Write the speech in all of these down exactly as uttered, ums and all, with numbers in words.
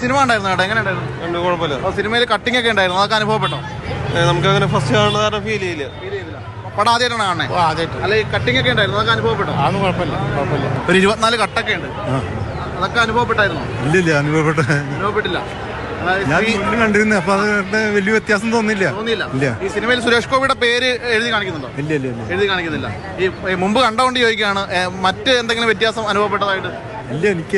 Cinema ഉണ്ടായിരുന്നു കേട്ടോ, എങ്ങനെ ഉണ്ടായിരുന്നു? കുഴപ്പമില്ല. സിനിമയിൽ കട്ടിംഗ് ഒക്കെ ഉണ്ടായിരുന്നു, അതൊക്കെ അനുഭവപ്പെട്ടോ? നമുക്ക് അങ്ങനെ ഫസ്റ്റ് കാണുന്ന ഫീൽ ചെയ്യില്ല. പടം ആദ്യമായിട്ടാണ് കാണുന്നത്? അല്ല, ഈ കട്ടിംഗ് ഒക്കെ ഉണ്ടായിരുന്നു, അതൊക്കെ അനുഭവപ്പെട്ടോ? അതൊന്നും കുഴപ്പമില്ല, കുഴപ്പമില്ല. ഒരു ഇരുപത്തിനാല് കട്ടൊക്കെ ഉണ്ട്, അതൊക്കെ അനുഭവപ്പെട്ടായിരുന്നു? ഇല്ലില്ല, അനുഭവപ്പെട്ട അനുഭവപ്പെട്ടില്ല. ഞാൻ മുന്നിൽ കണ്ടിരുന്നു, അപ്പൊ അത് വലിയ വ്യത്യാസം തോന്നില്ല. തോന്നിയില്ല. ഈ സിനിമയിൽ സുരേഷ് ഗോപിയുടെ പേര് എഴുതി കാണിക്കുന്നുണ്ടോ? ഇല്ല ഇല്ല എഴുതി കാണിക്കുന്നില്ല. ഈ മുമ്പ് കണ്ടോണ്ട് ചോദിക്കുകയാണ്, മറ്റ് എന്തെങ്കിലും വ്യത്യാസം അനുഭവപ്പെട്ടതായിട്ട്? ഇല്ല, എനിക്ക്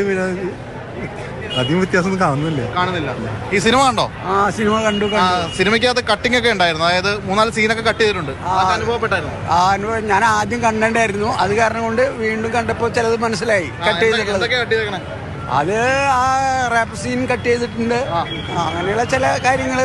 അധികം വ്യത്യാസം കാണുന്നില്ല. കാണുന്നില്ല. ഈ സിനിമ കണ്ടോ? ആ സിനിമ കണ്ടു. സിനിമയ്ക്കകത്ത് കട്ടിംഗ് ഒക്കെ ഉണ്ടായിരുന്നു, അതായത് മൂന്നാല് സീനൊക്കെ കട്ട് ചെയ്തിട്ടുണ്ട്, അനുഭവപ്പെട്ടായിരുന്നു? ആ അനുഭവം ഞാൻ ആദ്യം കണ്ടിട്ടുണ്ടായിരുന്നു, അത് കാരണം കൊണ്ട് വീണ്ടും കണ്ടപ്പോ ചിലത് മനസ്സിലായി. കട്ട് ചെയ്തിട്ടുള്ളത് അത് ആ റാപ്പ് സീൻ കട്ട് ചെയ്തിട്ടുണ്ട്, അങ്ങനെയുള്ള ചില കാര്യങ്ങള്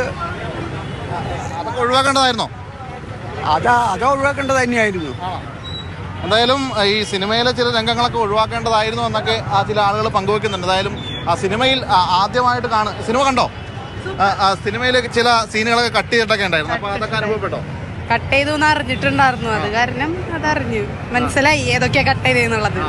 അതൊക്കെ ഒഴിവാക്കേണ്ടതായിരുന്നോ? അതാ അത് ഒഴിവാക്കേണ്ടത് തന്നെയായിരുന്നു. എന്തായാലും ഈ സിനിമയിലെ ചില രംഗങ്ങളൊക്കെ ഒഴിവാക്കേണ്ടതായിരുന്നു എന്നൊക്കെ ആ ചില ആളുകൾ പങ്കുവെക്കുന്നുണ്ട്. എന്തായാലും ആ സിനിമയിൽ ആദ്യമായിട്ട് കാണും. സിനിമ കണ്ടോ? സിനിമയിൽ ചില സീനുകളൊക്കെ കട്ട് ചെയ്തിട്ടൊക്കെ ഉണ്ടായിരുന്നു, അപ്പൊ അതൊക്കെ അനുഭവപ്പെട്ടോ? കട്ട് ചെയ്തു അറിഞ്ഞിട്ടുണ്ടായിരുന്നു, അത് കാരണം അതറിഞ്ഞു, മനസ്സിലായി ഏതൊക്കെയാ കട്ട് ചെയ്തെന്നുള്ളത്.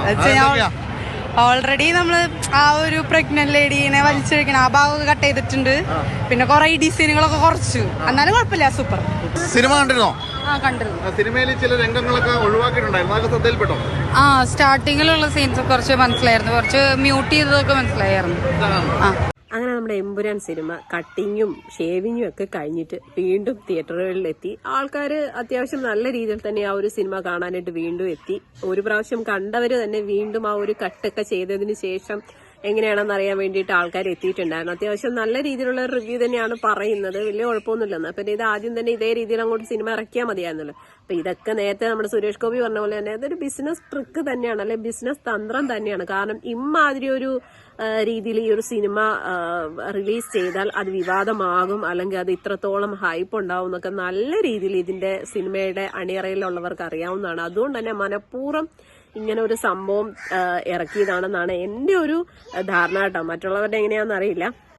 ഓൾറെഡി നമ്മള് ആ ഒരു പ്രഗ്നന്റ് ലേഡീനെ വലിച്ചഴിക്കണ ആ ഭാഗമൊക്കെ കട്ട് ചെയ്തിട്ടുണ്ട്. പിന്നെ കുറെ ഡിസൈനുകളൊക്കെ കുറച്ചു, എന്നാലും കുഴപ്പമില്ല, സൂപ്പർ. സിനിമ കണ്ടിരുന്നോ? ആ കണ്ടിരുന്നു. സിനിമയിൽ ചില രംഗങ്ങളൊക്കെ ഒഴിവാക്കിയിട്ടുണ്ടായിരുന്നു, അതൊക്കെ ശ്രദ്ധയിൽപ്പെട്ടോ? ആ സ്റ്റാർട്ടിങ്ങിലുള്ള സീൻസ് കുറച്ച് മനസ്സിലായിരുന്നു, കുറച്ച് മ്യൂട്ട് ചെയ്തതൊക്കെ മനസ്സിലായിരുന്നു. ആ അങ്ങനെ നമ്മുടെ എമ്പുരാൻ സിനിമ കട്ടിങ്ങും ഷേവിങ്ങും ഒക്കെ കഴിഞ്ഞിട്ട് വീണ്ടും തിയേറ്ററുകളിലെത്തി. ആൾക്കാർ അത്യാവശ്യം നല്ല രീതിയിൽ തന്നെ ആ ഒരു സിനിമ കാണാനായിട്ട് വീണ്ടും എത്തി. ഒരു പ്രാവശ്യം കണ്ടവർ തന്നെ വീണ്ടും ആ ഒരു കട്ടൊക്കെ ചെയ്തതിന് ശേഷം എങ്ങനെയാണെന്ന് അറിയാൻ വേണ്ടിയിട്ട് ആൾക്കാർ എത്തിയിട്ടുണ്ടായിരുന്നു. അത്യാവശ്യം നല്ല രീതിയിലുള്ള റിവ്യൂ തന്നെയാണ് പറയുന്നത്, വലിയ കുഴപ്പമൊന്നുമില്ലെന്ന്. പിന്നെ ഇത് ആദ്യം തന്നെ ഇതേ രീതിയിൽ അങ്ങോട്ട് സിനിമ ഇറക്കിയാൽ മതിയായിരുന്നല്ലോ. അപ്പൊ ഇതൊക്കെ നേരത്തെ നമ്മുടെ സുരേഷ് ഗോപി പറഞ്ഞ പോലെ തന്നെ അതൊരു ബിസിനസ് ട്രിക്ക് തന്നെയാണ്, അല്ലെ ബിസിനസ് തന്ത്രം തന്നെയാണ്. കാരണം ഇമ്മാതിരി ഒരു രീതിയിൽ ഈ ഒരു സിനിമ റിലീസ് ചെയ്താൽ അത് വിവാദമാകും, അല്ലെങ്കിൽ അത് ഇത്രത്തോളം ഹൈപ്പ് ഉണ്ടാവും എന്നൊക്കെ നല്ല രീതിയിൽ ഇതിന്റെ സിനിമയുടെ അണിയറയിലുള്ളവർക്ക് അറിയാവുന്നതാണ്. അതുകൊണ്ട് തന്നെ മനഃപൂർവ്വം ഇങ്ങനെ ഒരു സംഭവം ഇറക്കിയതാണെന്നാണ് എന്റെ ഒരു ധാരണ കേട്ടോ. മറ്റുള്ളവരുടെ എങ്ങനെയാണെന്ന് അറിയില്ല.